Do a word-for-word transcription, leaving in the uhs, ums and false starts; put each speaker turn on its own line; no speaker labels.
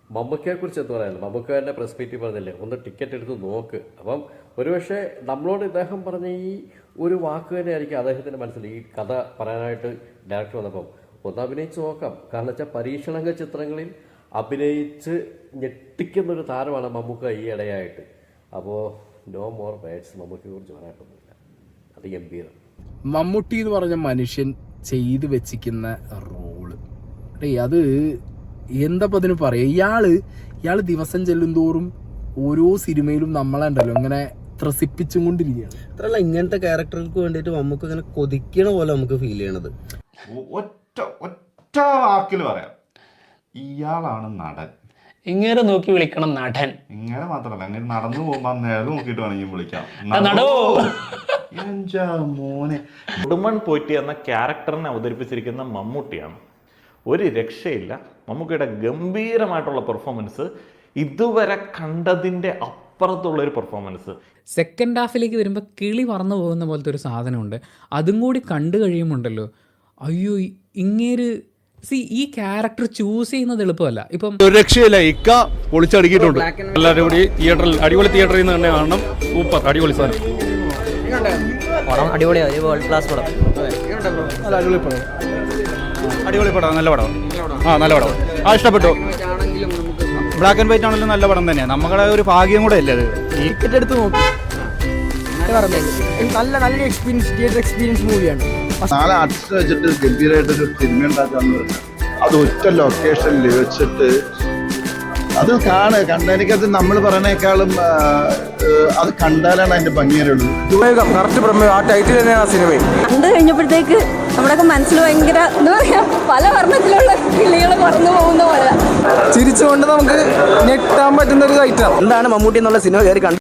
മമ്മൂക്കയെ കുറിച്ച് എന്താ പറയാനുള്ളത്? മമ്മൂക്കയുടെ പ്രസ് മീറ്റിൽ പറഞ്ഞില്ലേ, ഒന്ന് ടിക്കറ്റ് എടുത്ത് നോക്ക്. അപ്പം ഒരുപക്ഷെ നമ്മളോട് ഇദ്ദേഹം പറഞ്ഞ ഈ ഒരു വാക്ക് തന്നെ ആയിരിക്കും അദ്ദേഹത്തിൻ്റെ മനസ്സിൽ ഈ കഥ പറയാനായിട്ട് ഡയറക്ടർ വന്നപ്പം ഒന്ന് അഭിനയിച്ച് നോക്കാം. കാരണം വെച്ചാൽ പരീക്ഷണ ചിത്രങ്ങളിൽ അഭിനയിച്ച് ഞെട്ടിക്കുന്നൊരു താരമാണ് മമ്മൂക്ക ഈ ഇടയായിട്ട്. അപ്പോൾ നോ മോർ വേർഡ്സ് മമ്മൂക്കയെ കുറിച്ച് പറയാനൊന്നുമില്ല. അത് ഗംഭീരം.
മമ്മൂട്ടി എന്ന് പറഞ്ഞ മനുഷ്യൻ ചെയ്തു വെച്ചിരിക്കുന്ന റോള് അത് എന്താ അതിന് പറയാ. ഇയാള് ഇയാള് ദിവസം ചെല്ലും തോറും ഓരോ സിനിമയിലും നമ്മളെണ്ടല്ലോ ഇങ്ങനെ ത്രസിപ്പിച്ചും കൊണ്ടിരിക്കുകയാണ്.
അത്രല്ല, ഇങ്ങനത്തെ ക്യാരക്ടർക്ക് വേണ്ടിയിട്ട് നമുക്ക് ഇങ്ങനെ കൊതിക്കണ പോലെ നമുക്ക് ഫീൽ ചെയ്യണത്.
ഒറ്റ ഒറ്റ വാക്കിൽ പറയാം, ഇയാളാണ് നടൻ.
ഇങ്ങനെ നോക്കി വിളിക്കണം നടൻ.
ഇങ്ങനെ മാത്രമല്ല, അങ്ങനെ നടന്നു പോകുമ്പോ നേരെ നോക്കിയിട്ട് വേണമെങ്കിൽ വിളിക്കാം. മോനെ
ഉടുമൺ പോറ്റി എന്ന ക്യാരക്ടറിനെ അവതരിപ്പിച്ചിരിക്കുന്ന മമ്മൂട്ടിയാണ്. ഒരു രക്ഷയില്ല. മമ്മൂക്കയുടെ ഗംഭീരമായിട്ടുള്ള പെർഫോമൻസ്, ഇതുവരെ കണ്ടതിൻ്റെ അപ്പുറത്തുള്ള ഒരു പെർഫോമൻസ്.
സെക്കൻഡ് ഹാഫിലേക്ക് വരുമ്പോൾ കിളി പറന്നു പോകുന്ന പോലത്തെ ഒരു സാധനമുണ്ട്. അതും കൂടി കണ്ടു കഴിയുമുണ്ടല്ലോ, അയ്യോ ഇങ്ങേര് സി ഈ ക്യാരക്ടർ ചൂസ് ചെയ്യുന്നത് എളുപ്പമല്ല. ഇപ്പം
ഒരു രക്ഷയില്ല, ഇക്ക പൊളിച്ചടുക്കിയിട്ടുണ്ട്. എല്ലാവരും കൂടി തിയേറ്ററിൽ അടിപൊളി തിയേറ്ററിൽ നിന്ന് തന്നെ കാണണം. സൂപ്പർ അടിപൊളി സാധനം.
പടം അടിപൊളിയാണ്, വേൾഡ് ക്ലാസ് പടം.
അടിപൊളി പടം, അടിപൊളി പടം, നല്ല പടം. ആ നല്ല പടം, ആ ഇഷ്ടപ്പെട്ടു. ബ്ലാക്ക് ആൻഡ് വൈറ്റ് ആണെങ്കിലും നല്ല പടം തന്നെയാണ്. നമ്മുടെ ഒരു ഭാഗ്യം കൂടെ അല്ലേ അത്.
ടിക്കറ്റ് എടുത്ത് നോക്കി നല്ല നല്ല എക്സ്പീരിയൻസ്, തിയേറ്റർ എക്സ്പീരിയൻസ് മൂവിയാണ്.
നാളെ ആർട്ടിസ്റ്റ് വെച്ചിട്ട് ഗംഭീരമായിട്ടൊരു സിനിമ ഉണ്ടാക്കാന്ന് പറഞ്ഞാൽ അത് ഒറ്റ ലൊക്കേഷനിൽ വെച്ചിട്ട് അത് കാണ് കണ്ട എനിക്കത് നമ്മൾ പറയണേക്കാളും അത് കണ്ടാലാണ് അതിന്റെ ഭംഗിയുള്ളൂ.
ആ ടൈറ്റിൽ തന്നെയാണ് ആ സിനിമ.
കണ്ടു കഴിഞ്ഞപ്പോഴത്തേക്ക് നമ്മുടെയൊക്കെ മനസ്സിൽ ഭയങ്കര എന്താ പറയാ, പല വർണ്ണത്തിലുള്ള കിളികൾ പറന്നു പോകുന്ന പോലെ
ചിരിച്ചുകൊണ്ട് നമുക്ക് ഞെട്ടാൻ പറ്റുന്ന ഒരു ഐറ്റം.
എന്താണ് മമ്മൂട്ടി എന്നുള്ള സിനിമ കയറി